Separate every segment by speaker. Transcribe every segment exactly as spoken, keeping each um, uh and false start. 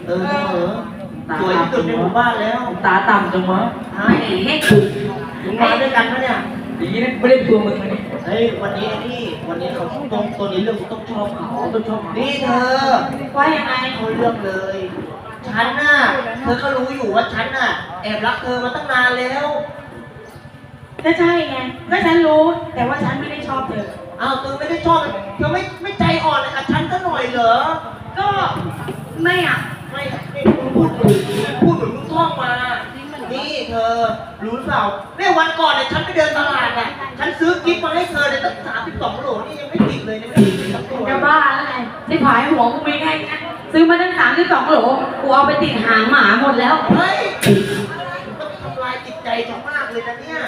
Speaker 1: เออเออสวยที่สุดในหมู่บ้านแล้ว
Speaker 2: ตาต่ำจังวะ
Speaker 1: ไม่เฮ้ยมึงมาด้วยกันปะเนี่ย
Speaker 2: อย่างนี้ไม่ได้ตัวมึงเลย
Speaker 1: เฮ้ยวันนี้นี่วันนี้เขาตรงตัวนี้เรื่องต้องชอบเขาต้องชอบนี่เธอว่ายังไงเขาเลือกเลยฉันน่ะเธอก็รู้อยู่ว่าฉันน่ะแอบรักเธอมาตั้งนานแล้ว
Speaker 3: ก็ใช่ไงก็ฉันรู้แต่ว่าฉันไม่ได้ชอบเธอ
Speaker 1: อ้าวเธอไม่ได้ชอบเธอไม่ไม่ใจอ่อนเลยกับฉันก็หน่อยเหรอ
Speaker 3: ก็ไม่อ่ะ
Speaker 1: ไม่ไม่พูดพูดเหมือนมึงท่องมานี่เธอรู้หรือเปล่าเนี่ยวันก่อนเนี่ยฉันไปเดินตลาดอ่ะฉันซื้อกิฟต์มาให้เธอเนี่ยตั้งสามสิบสองโหลนี่ยังไม่ติดเลยเนี่ยไม่ติดสักตัว
Speaker 3: จะบ้าแล้วไงที่ผายหัวกูไม่ได้ไงซื้อมาตั้งสามสิบสองโหลกูเอาไปติดหางหมาหมดแล้ว
Speaker 1: เฮ้ยต้องทำลายจิตใจฉันมากเลยนะเนี่ย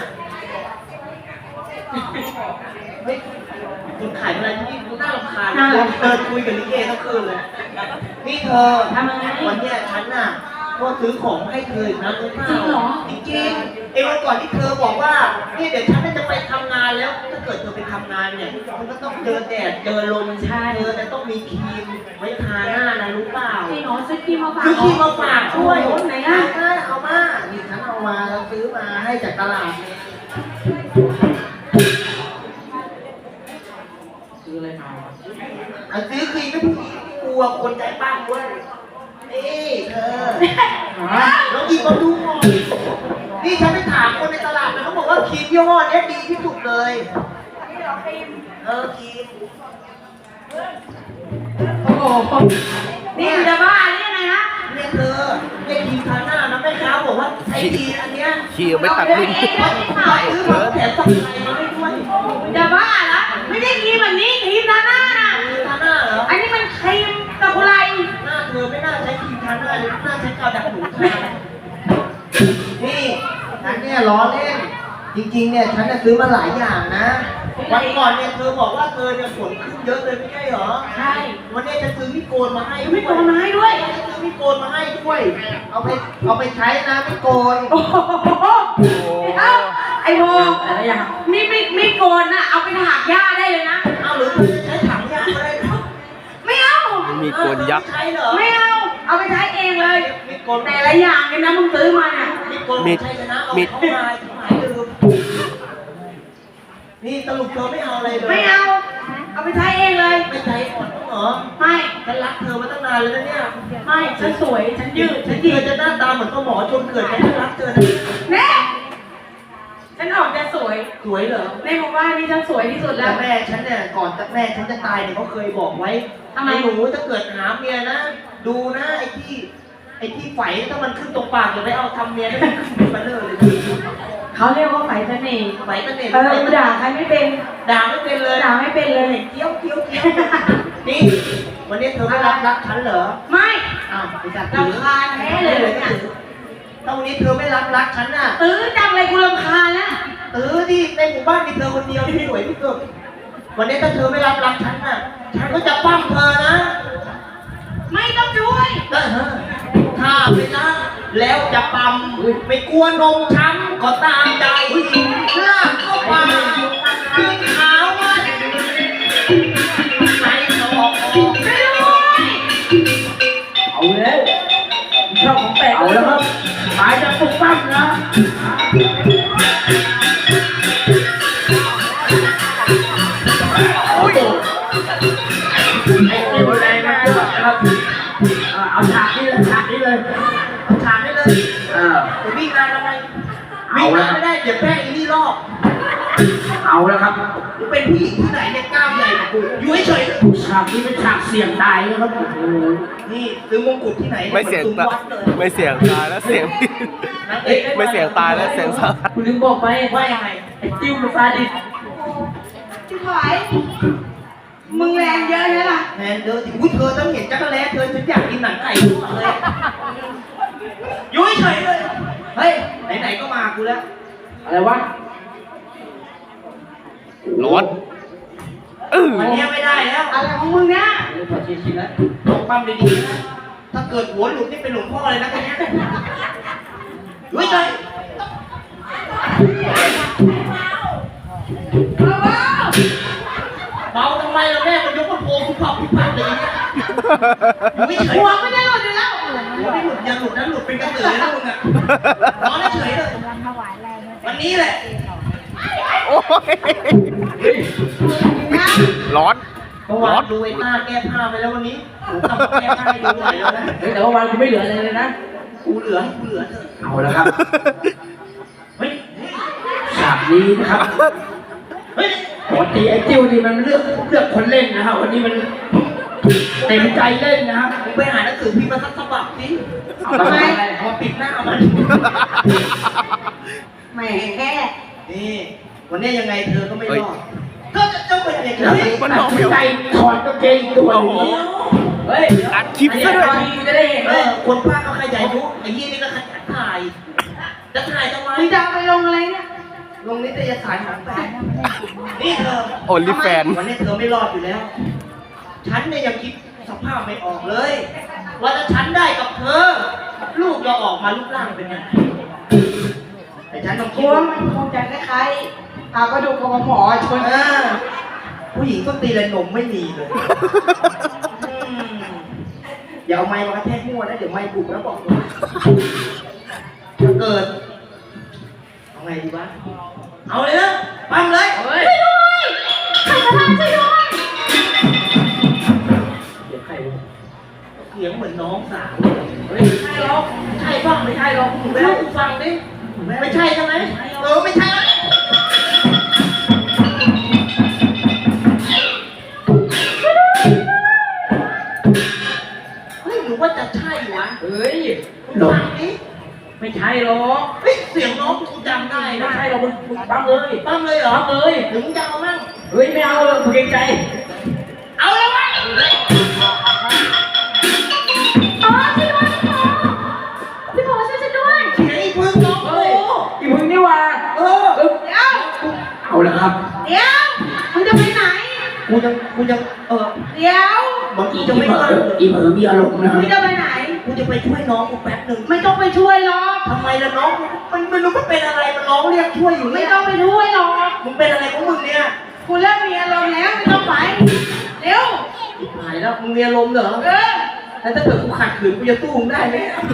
Speaker 1: เฮ้ยคุณขายอะไรที่นี่น่ารำคาญเดินคุยกับลิเกทั้งคืนเลยนี่เธอ
Speaker 3: ทำยังไง
Speaker 1: วันนี้ฉันน่ะก็ซื้อของให้เธอนะรู้เปล่า
Speaker 3: จริงเหรอ
Speaker 1: จริงๆเอ้วันก่อนที่เธอบอกว่านี่เดี๋ยวฉันจะไปทำงานแล้วถ้าเกิดเธอไปทำงานเนี่ยมันก็ต้องเจอแดดเจอลมใช่เธอจะต้องมีครีมไว้ทาหน้านะรู้เปล่า
Speaker 3: จริงเหรอซื้อครีมมาฝาก
Speaker 1: ซื้อครีมมาฝากช่วย
Speaker 3: ไหนล่ะ
Speaker 1: เอามานี่ฉันเอามาแล้วซื้อมาให้จากตลาดเนี่ย
Speaker 2: ซื้ออะไรมา
Speaker 1: อันซื้อครีมไม่ผู้หญิงกลัวคนใจปั้มด้วยนี่เธอแล้วอีกมาดูนี่ฉันไปถามคนในตลาดนะเขาบอกว่าครีมยี่ห้อนี้ดีที่สุดเลย
Speaker 3: นี่เหรอครีม
Speaker 1: เออครีม
Speaker 3: โอ้โหนี่จะบ้านี่ยังไงนะ
Speaker 1: เนี่ยเธอไอ้ครีมทาหน้านะแม่ค้าบอกว่าไอ้ครีมอันเนี้ย
Speaker 4: ครีมไม่ตัดลิ้น
Speaker 1: ซื้อมาแถมสักไข่มาให้ด้วย
Speaker 3: จะบ้าเหรอไม่ได้ครีมแบบนี้ครีมทาหน้าน่ะ
Speaker 1: ครีมทาหน้าเหรอ
Speaker 3: อันนี้มันครีมตะกุไร
Speaker 1: หน้าเธอไม่น่าใช้ครีมทาหน้าเลยน่าใช้กาวดักหนูทานี่ฉันเนี่ยล้อเล่นจริงๆเนี่ยฉันจะซื้อมาหลายอย่างนะวันก่อนเนี่ยเธอบอกว่าเธอเนี่ยฝนขึ้นเยอะเลยไม่ใช่เหรอ
Speaker 3: ใช่
Speaker 1: วันนี้จะซื้อมิโกนมาให้
Speaker 3: มิโกนมาให้ด้วย
Speaker 1: จะซื้อมิโกนมาให้ด้วยเอาไปเอาไปใช้นะมิโกน
Speaker 3: โอ้โหเอ้าไอ้โบอะไรอย่างมีมีมีโกนน่ะเอาไปถากหญ้าได้เลยนะ
Speaker 1: เอาหรือจะใช้ถังหญ้าก็ได้
Speaker 3: ไม่เอา
Speaker 4: มีโกนยักษ์
Speaker 3: ไม่เอาเอาไปใช้เองเลยแต่ละอย่างเนี่ยนะมึงซื้อมาเนี่ย
Speaker 1: มิโกนใช้ชนะเอาเข้ามาหายลืมนี่สรุปเธอไม่เอาอะไรเลย
Speaker 3: ไม่เอาเอาไปใช้เองเลย
Speaker 1: ไม่ใช้อ่อนเหรอ
Speaker 3: ไม่
Speaker 1: ฉันรักเธอมาตั้งนานเลยนะเนี่ย
Speaker 3: ไม่ฉันสวยฉันยืดฉัน
Speaker 1: ยืดจะหน้าตาเหมือนพ่อหมอชนเกิดฉันรักเธอนะ
Speaker 3: แม่ฉันออกจะสวย
Speaker 1: สวยเหรอ
Speaker 3: ในหมู่บ้านนี่ฉันสวยที่สุดแล้ว
Speaker 1: แม่ฉันเนี่ยก่อนแม่ฉันจะตายเนี่ยเขาเคยบอกไว้
Speaker 3: ทำไม
Speaker 1: หนูจะเกิดหาเมียนะดูนะไอ้ที่ไอ้ที่ไฝถ้ามันขึ้นตรงปากอย่าไปเอาทำเมียได้มันมาเลย
Speaker 3: เขาเรียกว่าไฝเสน่ห์
Speaker 1: ไฝเสน่ห์
Speaker 3: เออด่าใครไม่เป็น
Speaker 1: ด่าไม่เป็นเลย
Speaker 3: ด่าไม่เป็นเลย
Speaker 1: เกี้ยวเกี้ยวเกี้ยวนี่วันนี้เธอไม่รับรักฉันเหรอ
Speaker 3: ไม่
Speaker 1: อ้าวไปจัด
Speaker 3: รำคาญแท้เลยเนี่ย
Speaker 1: ตรงนี้เธอไม่รับรักฉันน่ะ
Speaker 3: ตื้อจังเลยกูรำคาญแล้ว
Speaker 1: ตื้อดิในหมู่บ้านมีเธอคนเดียวที่สวยที่สุดวันนี้ถ้าเธอไม่รับรักฉันน่ะฉันก็จะปั้มเธอนะ
Speaker 3: ไม่ต้องช่วย
Speaker 1: ถ้าไม่รักแล้วจะปั๊มไม่กลัวนมช้ำก็ตามใจลากเข้าไปคือขาวว่าไหนสอก
Speaker 3: ไม่รู้
Speaker 2: เอาแล้วชอบของแปลกเอาแล้วครับหมายจะปลุกปั้มนะโอ้ยไอ้เกี่ยวแรงนะครับเอาฉากนี้เลยฉากนี้เลย
Speaker 1: เอาฉากนี้เลยเออจะวิ่งงานอะไรวิ่งงานไม่ได้เดี๋ยวแป้งอีนี่รอบ
Speaker 2: เอาแล้วครับ
Speaker 1: กูเป็นผู้หญิงที่ไหนเนี่ยกล้ามใหญ่กว่ากูอยู่เฉย
Speaker 2: ๆฉากนี้เป็นฉากเสี่ยงตายนะครับโอ้โห
Speaker 1: นี่ซื้อมงกุฎที่ไหน
Speaker 4: ไม่เสี่ยงตายไม่เสี่ยงตายแล้วเสี่ยงไม่เสี่ยงตายแล้วเสี่ยงสาหัส
Speaker 2: คุณลืมบอกไป
Speaker 1: ว่ายังไง
Speaker 2: ไอ้จิ้วมันซาดิส
Speaker 3: ชิบหายมึงแรงเยอะใช่ป่ะ
Speaker 1: แรงเยอะที่อุ้ยเธอต้องเห็นจักรแล้เธอฉันอยากกินหนังไก่ทุกวันเลยอยู่เฉยเลยเฮ้ยไหนๆก็มากูแล้ว
Speaker 2: อะไรวะ
Speaker 4: ร้อน
Speaker 1: เออวันนี้ไม่ได้แล้ว
Speaker 3: อะไรของมึงเนี่ย
Speaker 2: เรื่องพอชินๆแล้ว
Speaker 1: ลองปั้มดีๆนะถ้าเกิดหัวหลุดนี่เป็นหลวงพ่อเลยนะคนนี้อยู่เฉยเบาทำไมล่ะแม่มันยกกระโปรงคุณผับคุณผับเลยเนี่ยอยู่เฉย
Speaker 3: หัวไม่ได้หลุดอยู่แล้ว
Speaker 1: เป็นกระสือนะมึงอ่ะนอนเฉยเลยวันนี้แหละ
Speaker 4: โอ้ยร้อน
Speaker 1: เมื่อวานดูไอ้หน้าแก้ผ้าไปแล้ววันนี้กูทำแก้ผ้าให้ดูหน่อยแล้วนะ
Speaker 2: เฮ้ยแต่ว่าวันกูไม่เหลืออะไรเลยนะ
Speaker 1: กูเหลือให้กูเหลือเถอะ
Speaker 2: เอาแล้วครับเฮ้ยฉากนี้นะครับเฮ้ยปกติไอ้จิ้วนี่มันเลือกเลือกคนเล่นนะครับวันนี้มันเต็มใจเล่นนะครับ
Speaker 1: มึงไปหาหนังสือพิมพ์มาสักฉบับสิ
Speaker 2: เอาทำไม
Speaker 1: เอามาปิดหน้ามัน
Speaker 3: แหมแค่
Speaker 1: นี่วันนี้ยังไงเธอก็ไม่รอดก็จะต้องเป็นอย่าง
Speaker 2: แล้ว
Speaker 1: นี้
Speaker 2: มันตัดสินใจถอดกางเกงอีกตัวหนึงเฮ้ย
Speaker 4: อัดคลิปซะด้วย
Speaker 2: อันนี้จะได้เห็น
Speaker 1: เอ
Speaker 2: เลย
Speaker 1: อคนภาคก็ขยายยุไอ้ยี่นี่ก็ขยันถ่ายจะถ่ายทำไม
Speaker 3: มึงจะเอาไปลงอะไรเนี่ย
Speaker 1: ลงนิตยสารของแฟนนี่เธอ
Speaker 4: โอลิแฟน
Speaker 1: วันนี้เธอไม่รอดอยู่แล้ว ฉันเนี่ยยังคิดสภาพไม่ออกเลย ว่าถ้าฉันได้กับเธอ ลูกจะออกมารูปร่างเป็นยังไงแต่ฉันต้อง
Speaker 3: ก
Speaker 1: คิ
Speaker 3: ลั
Speaker 1: ด
Speaker 3: ว
Speaker 1: ว่า
Speaker 3: มันคงจะคล้ายๆพากระดูกของหมอชน
Speaker 1: เออผู้หญิงก็ตีเลยนมไม่มีเลยอืมอย่าเอาไม้มากระแทกมั่วนะเดี๋ยวไม้บุกแล้วบอกเลยถ้าเกิดเอาไงดีวะเอาเลยนะปั๊มเลย
Speaker 2: เฮ้ย
Speaker 3: ใครจะทำช่วยด้วย
Speaker 2: เดี๋ยวใครวะ
Speaker 1: เสียงเหมือนน้องสาว
Speaker 2: เฮ้ยใช่หรอก
Speaker 1: ใช่ป่ะไม่ใช่หรอกมึงไปเล่ากูฟังดิไม่ใช่ใช่ไหมเออไม่ใช่เฮ้ยหรือว่าจะใช่วะ
Speaker 2: เฮ้ย
Speaker 1: มึง
Speaker 2: หลง
Speaker 1: ฟังดิ
Speaker 2: ไม่ใช่หรอก
Speaker 1: เฮ้ยเสียงน้องกูจำได้
Speaker 2: ไม่
Speaker 1: นะ
Speaker 2: ใช่หรอกมึงมึงปั๊มเลย
Speaker 1: ปั้มเลยเหรอ
Speaker 2: ปั๊มเลย
Speaker 1: หรือมึงจะเอามั่ง
Speaker 2: เฮ้ยไม่เอาเลยกูเกรงใจ
Speaker 1: เอาแล้ววะ
Speaker 3: อ๋อช่วยด้วยพี่โผช่วยฉันด้วย
Speaker 1: เสียงอีพึ่งน้อง
Speaker 2: เฮ้
Speaker 1: โอ้
Speaker 2: ยอีมึงนี่ว่า
Speaker 1: เออ
Speaker 2: เออ
Speaker 3: เดี๋ยว
Speaker 2: เอาแล้วครับ
Speaker 3: เดี๋ยวมึงจะไปไหน
Speaker 1: กูยังกูยังเออ
Speaker 3: เดี๋ยว
Speaker 1: บางที
Speaker 2: อี
Speaker 1: จะ
Speaker 2: เผ
Speaker 1: ไม่
Speaker 2: ล
Speaker 1: ว่าง
Speaker 2: ออีเผลอมีอารมณ์นะค
Speaker 3: มึ
Speaker 2: รับ
Speaker 3: งจะไปไหน
Speaker 1: กูจะไปช่วยน้องกูแป๊บหนึ่ง
Speaker 3: ไม่ต้องไปช่วยหรอก
Speaker 1: ทำไมล่ะน้องมันมันรู้มันเป็นอะไรมันร้องเรียกช่วยอยู่
Speaker 3: ไม่
Speaker 1: เนี่ย
Speaker 3: ต้องไปช่วยหรอก
Speaker 1: มึงเป็นอะไรของมึงเนี่ย
Speaker 3: กูเริ่มมีอารมณ์แล้วไม่ต้องไปเร็ว
Speaker 1: หายแล้วมึงมีอารมณ์เหรอ
Speaker 3: เออ
Speaker 1: แล้วถ้าเกิดกูขัดขืนกูจะสู้มึงได้ไหม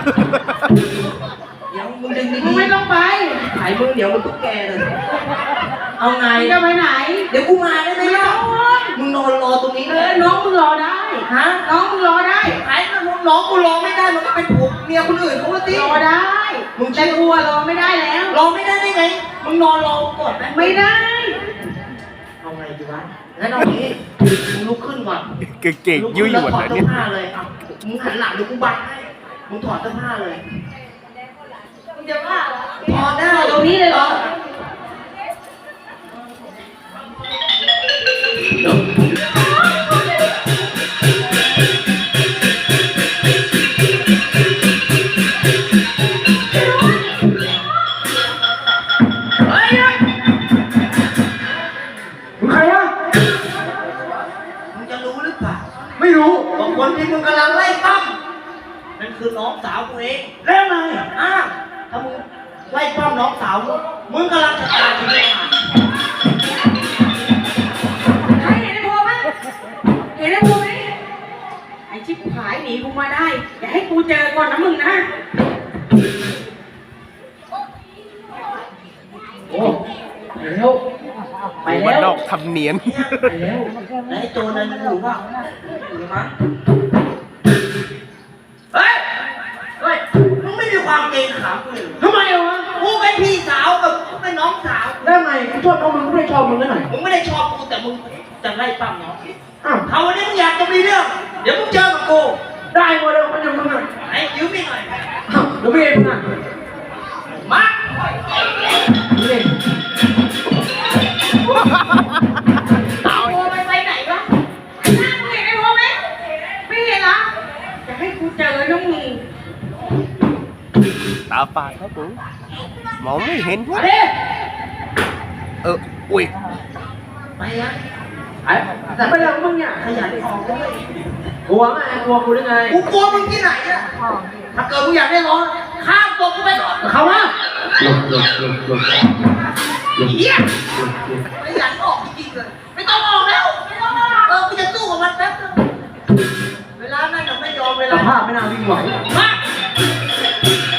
Speaker 1: เดี๋ยวมึงดึง
Speaker 3: มึ
Speaker 1: ดี
Speaker 3: งไม่ต้องไป
Speaker 1: ๆหายมึงเดี๋ยวมึงตุ๊กแกเลยเอาไง
Speaker 3: มึงจะไปไหน
Speaker 1: เดี๋ยวกูมาได้ไหม
Speaker 3: ไม่
Speaker 1: ล่ะ
Speaker 3: ต้อง
Speaker 1: มึงนอนรอตรงนี้
Speaker 3: เอ
Speaker 1: เล
Speaker 3: อยน้องมึงรอได้
Speaker 1: ฮะ
Speaker 3: น้องมึงรอได้
Speaker 1: หายแล้วน้องกูรอไม่ได้มันก็เป็นผัวเมียคนอื่นเขาละสิ
Speaker 3: รอได้
Speaker 1: มึง
Speaker 3: แต่กลัวรอไม่ได้แล้ว
Speaker 1: รอไม่ได้ได้ไงมึงนอนรอก่อนไหม
Speaker 3: ไม่ได้
Speaker 1: เอาไงดีวะงั้นเอางี้มึงลุกขึ้นก่อน
Speaker 4: เก่งๆยุ่ยหยวน
Speaker 1: ถอด
Speaker 4: นะ
Speaker 1: เสื้
Speaker 4: เนี่
Speaker 1: อย ผ้าเลยอ่ะมึงหันหลังเดี๋ยวกูบังให้มึงถอดเสื้อผ้าเลย
Speaker 3: มึงจะว่าเหรอ
Speaker 1: ถอดได้
Speaker 3: ตรงนี้เลยเหรอ
Speaker 2: เฮ้ยมึงใครวะ
Speaker 1: มึงจะรู้หรือเปล่า
Speaker 2: ไม่รู้
Speaker 1: ว่าคนที่มึงกำลังไล่ปั้มนั่นคือน้องสาวกูเอง
Speaker 2: แล้วไง
Speaker 1: อ้าวถ้ามึงไล่ปั้มน้องสาวมึงมึงกำลังจะตายชีวิตขาด
Speaker 3: ใครเห็นไอ้โพไหมเห็นไอ้โพไหมไอ้ชิบหายหนีกูมาได้ อย่าให้กูเจอก่อนนะมึงนะ
Speaker 2: โอ้ไปแล้วไป
Speaker 4: มั
Speaker 2: แล้
Speaker 4: น
Speaker 2: ว
Speaker 4: ดอกทำเนียน
Speaker 2: ไปแล้ว
Speaker 1: แล้วไอ้โจรนั้นอยู่ว่าอยู่มั้ง
Speaker 2: เฮ้ยเฮ้ย
Speaker 1: มึงไม่มีความเกรงขามกูเลย
Speaker 2: ทำไมวะ
Speaker 1: กูเป็นพี่สาวกับกูเป็นน้องสาว
Speaker 2: แล้วไงกูชอบน้องมึงกูไม่ได้ชอบมึงแล้วหน่อย
Speaker 1: มึงไม่ได้ชอบกูแต่มึงจะไล่ปั้มน้อง
Speaker 2: อ้าว
Speaker 1: เขาวันนี้มึงอยากจะมีเรื่อง เดี๋ยวมึงเจอกับกู
Speaker 2: ได้หมดแล้วมันยังมึงอ่ะ
Speaker 1: ไอ้ยืมมีหน่อย
Speaker 2: อ้าวเดี๋ยวไม่เองมึงอ่ะ
Speaker 1: มา
Speaker 2: นี่เอง
Speaker 3: โพไปไปไหนวะหน้ามึงเห็นไอ้โพไหมไม่เห็นเหรออย่าให้กูเจอน้องมึง
Speaker 4: ตาฝาดครับผมมองไม่เห็น
Speaker 2: มาดิ
Speaker 4: เออ อุ้ย
Speaker 1: ไปละ
Speaker 2: ไอ้แต่ไม่เรื่องมึงเนี่ย
Speaker 1: ขยันออกด้วย
Speaker 2: กลัวไงกลัวกูได้ไง
Speaker 1: กูกลัวมึงที่ไหนอะถ้าเกิดมึงอยากได้ร้อนข้ามตัวกูไปก่อน
Speaker 2: เขาวะ
Speaker 1: เฮียขยันออกจริงๆเลย ไม่ต้องออกแล้วไม่ต้องออกเออกูจะสู้กับมันแป๊บนึงเวลานั้นยังไม่ยอมเว
Speaker 2: ส
Speaker 1: ลา
Speaker 2: ภาพไม่น่าวิ่งไหว
Speaker 1: มา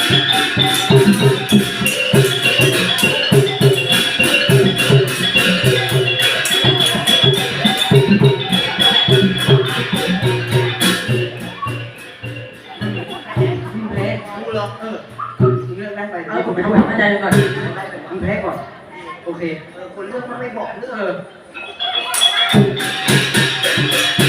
Speaker 1: อกเออมึงเลือกได้ไป
Speaker 3: เอาผมไปทำความเข้าใจก่อน
Speaker 1: ได้ไป
Speaker 3: มึงแพ้ก่อน โอเค
Speaker 1: เออคนเลือกมันไม่บอกเลือก
Speaker 3: เออ